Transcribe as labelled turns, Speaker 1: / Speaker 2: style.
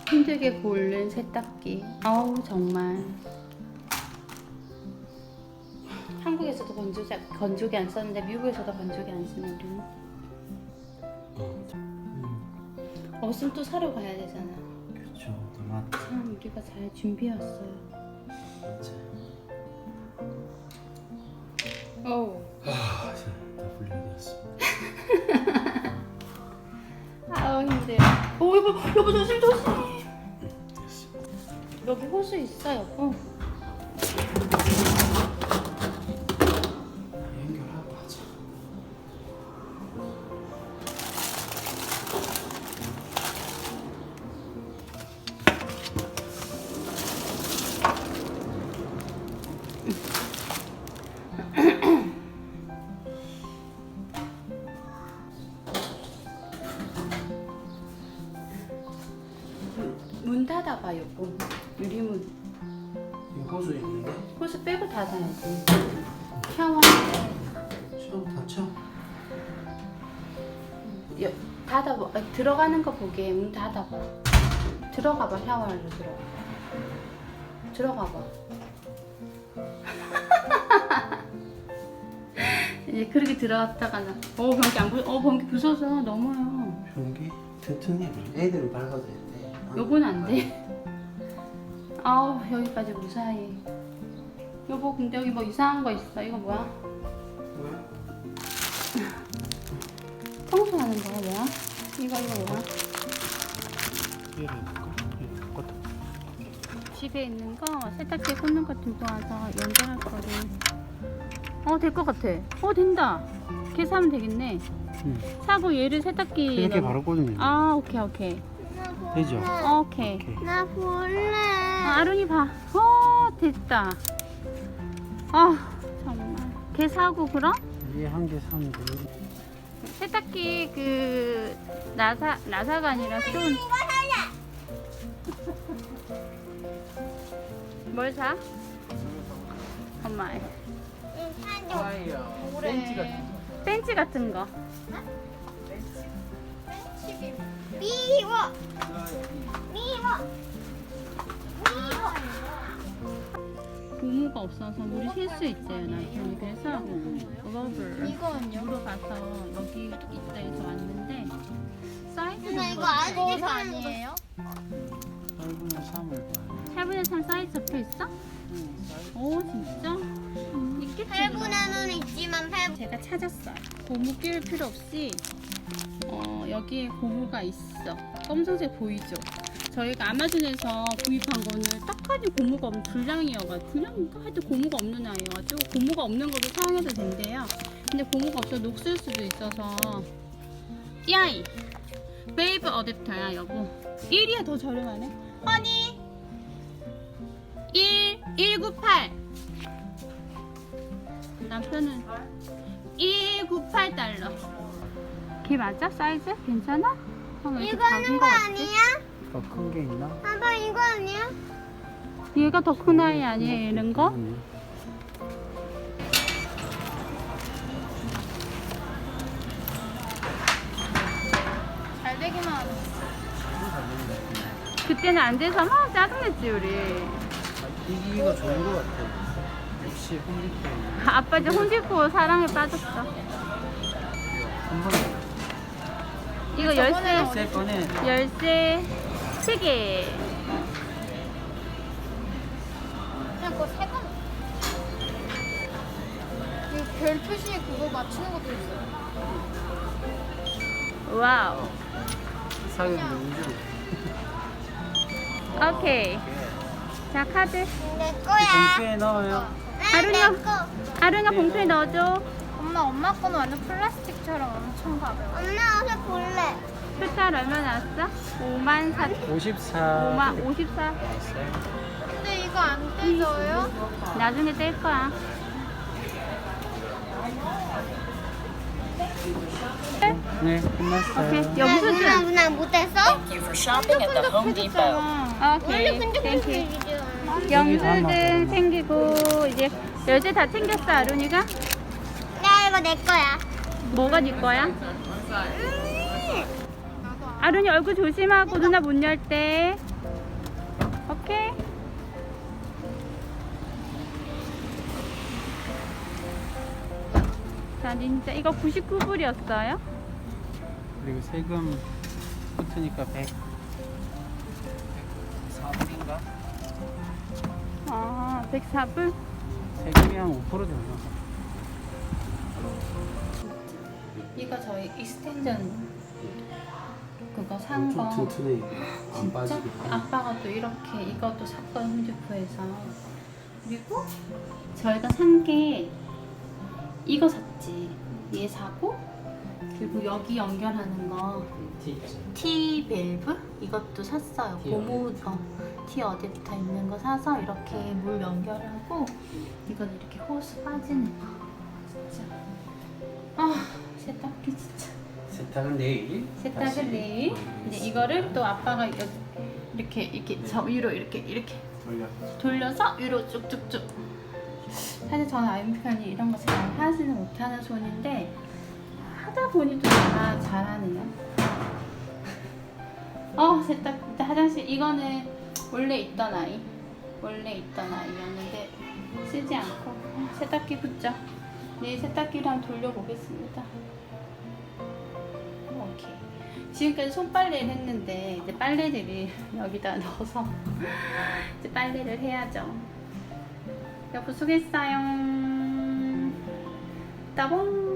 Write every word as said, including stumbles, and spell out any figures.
Speaker 1: 힘들게 고른 세탁기. 아우 정말. 한국에서도 건조기, 건조기 안 썼는데 미국에서도 건조기 안 쓰는 우리는.
Speaker 2: 음,
Speaker 1: 없으면 또 사러 가야 되잖아.
Speaker 2: 그렇죠. 너무
Speaker 1: 참 우리가 잘 준비했어요.
Speaker 2: 맞아.
Speaker 1: 어우.
Speaker 2: 아, 다 분리되었습니다.
Speaker 1: 아우 힘들어. 오 여보 여보 조심 조심.
Speaker 2: 됐습니다.
Speaker 1: 여기 호수 있어 여보.
Speaker 2: 연결하고 하자.
Speaker 1: 문 닫아봐 여보. 유리문.
Speaker 2: 이 호수 있는데?
Speaker 1: 호수 빼고 닫아야지. 샤워.
Speaker 2: 처음 닫혀?
Speaker 1: 여, 닫아봐. 아니, 들어가는 거 보게. 문 닫아봐. 들어가봐. 샤워하러 들어가. 들어가봐. 이제 그렇게 들어갔다가는 어 변기 안 부, 어 변기 부서져 넘어요.
Speaker 2: 변기 튼튼해. 애들은 밟아도 되는데.
Speaker 1: 요건 안 돼. 아우 여기까지 무사히. 여보 근데 여기 뭐 이상한 거 있어. 이거 뭐야?
Speaker 2: 뭐야?
Speaker 1: 청소하는 거야 뭐야? 이거 이거 뭐야?
Speaker 2: 얘를 해볼까? 얘를 바꿨다.
Speaker 1: 집에 있는 거 세탁기에 꽂는 거 들고 와서 연결할 거를. 어 될 것 같아. 어 된다. 걔 사면 되겠네.
Speaker 2: 응.
Speaker 1: 사고 얘를 세탁기
Speaker 2: 이렇게
Speaker 1: 넣어.
Speaker 2: 바로 꽂으면
Speaker 1: 아 오케이 오케이.
Speaker 2: 되죠?
Speaker 1: 어, 오케이.
Speaker 2: 오케이.
Speaker 3: 나 볼래.
Speaker 1: 아, 아론이 봐. 어 됐다. 아 정말. 걔 사고 그럼?
Speaker 2: 위에 한 개 사면 돼.
Speaker 1: 세탁기 그 나사 나사가 아니라 좀. 뭘 사? 엄마.
Speaker 3: 응, 사줘.
Speaker 2: 아이야.
Speaker 1: 그래. 벤치 같은 거.
Speaker 3: 미워. 미워. 미워.
Speaker 1: 고무가 없어서 물이 쉴 수 있대요 남편이. 그래서 러블
Speaker 3: 이거는요?
Speaker 1: 물어봐서 여기 있다 해서 왔는데 사이즈는
Speaker 3: 누나 이거
Speaker 1: 뭐지?
Speaker 3: 아직 아니에요?
Speaker 2: 팔분의 삼을 봐요.
Speaker 1: 팔분의 삼 사이즈 적혀 있어? 오 진짜? 음, 있겠지.
Speaker 3: 팔분의는 있지만 팔.
Speaker 1: 제가 찾았어요. 고무 끼울 필요 없이 어, 여기에 고무가 있어. 검정색 보이죠? 저희가 아마존에서 구입한 거는 딱하니 고무가 없는 불량이어가지고 불량인가? 하여튼 고무가 없는 아이여가지고 고무가 없는 거도 사용해도 된대요. 근데 고무가 없어서 녹슬 수도 있어서 야이! 베이브 어댑터야 여보. 일이야 더 저렴하네. 허니! 일, 일구팔 남편은 일구팔 달러. 걔 맞아? 사이즈? 괜찮아? 어, 왜 이렇게 작은
Speaker 3: 이거는
Speaker 1: 거
Speaker 3: 거
Speaker 1: 같지?
Speaker 3: 아니야?
Speaker 2: 더 큰 게 있나?
Speaker 3: 아빠 이거 아니야?
Speaker 1: 얘가 더 큰 아이 아니에요 이런 거?
Speaker 2: 아니.
Speaker 3: 잘 되기만 하네.
Speaker 1: 그때는 안 돼서 막 짜증냈지 우리.
Speaker 2: 이기가 좋은 것 같아. 역시 홈디페이.
Speaker 1: 아빠 이제 홈디포 사랑에 빠졌어.
Speaker 2: 한 번에
Speaker 1: 이거 열쇠
Speaker 2: 세 번에
Speaker 1: 열쇠 세 개.
Speaker 3: 그냥 그거 세 번. 이 별 표시에 그거 맞추는 것도 있어요.
Speaker 1: 와우.
Speaker 2: 사격 명중.
Speaker 1: 오케이. 자 카드.
Speaker 3: 내 거야.
Speaker 2: 봉투에 넣어요.
Speaker 1: 아루냐.
Speaker 3: 내 거.
Speaker 1: 아루냐 봉투에 넣어줘.
Speaker 3: 엄마 엄마 거는 완전 플라스틱처럼 엄청 가벼워. 엄마 어서 볼래.
Speaker 1: 토탈 얼마 나왔어? 오만 사.
Speaker 2: 오십사.
Speaker 1: 오만 오십사.
Speaker 3: 근데 이거 안 떼져요?
Speaker 1: 나중에 뗄 거야.
Speaker 2: 네, 끝났어요.
Speaker 1: 오케이.
Speaker 3: 누나
Speaker 1: 영수증.
Speaker 3: 누나 못했어?
Speaker 4: Thank you for shopping at the Home Depot.
Speaker 3: 원래
Speaker 1: 오케이. 땡큐.
Speaker 3: 끈적끈적이죠.
Speaker 1: 영수증 챙기고 이제 열쇠 다 챙겼어 아론이가?
Speaker 3: 야 이거 내 거야.
Speaker 1: 뭐가 네 거야? 아론이 얼굴 조심하고 누나 문 열 때. 어떡해? 자, 진짜 이거 구십구 불이었어요?
Speaker 2: 그리고 세금 붙으니까 백 사 불인가?
Speaker 1: 아, 백사 불?
Speaker 2: 세금이 한 오 퍼센트 되나?
Speaker 1: 이거 저희 익스텐전 그거 산 거.
Speaker 2: 엄청 튼튼해. 안
Speaker 1: 진짜?
Speaker 2: 빠지게.
Speaker 1: 아빠가 또 이렇게 이것도 샀거든, 홈디포에서. 그리고 저희가 산 게 이거 샀지. 얘 사고 그리고 여기 연결하는 거 T 밸브 이것도 샀어요.
Speaker 2: T
Speaker 1: 고무 어, T 어댑터 있는 거 사서 이렇게 물 연결하고 이건 이렇게 호스 빠지는 거. 진짜. 아 세탁기 진짜.
Speaker 2: 세탁은 내일.
Speaker 1: 세탁은
Speaker 2: 다시
Speaker 1: 내일.
Speaker 2: 돌리겠습니다.
Speaker 1: 이제 이거를 또 아빠가 여기 이렇게 이렇게 저 위로 이렇게 이렇게
Speaker 2: 돌려.
Speaker 1: 돌려서 위로 쭉쭉쭉. 사실 저는 아이언편이 이런 거 잘 하지는 못하는 손인데 하다 보니 또 다 잘하네요. 어 세탁 일단 화장실 이거는 원래 있던 아이 원래 있던 아이였는데 쓰지 않고 세탁기 붙죠. 내일 세탁기를 한번 돌려보겠습니다. 오케이. 지금까지 손빨래를 했는데 이제 빨래들을 여기다 넣어서 이제 빨래를 해야죠. 여보 수고했어요. 따봉.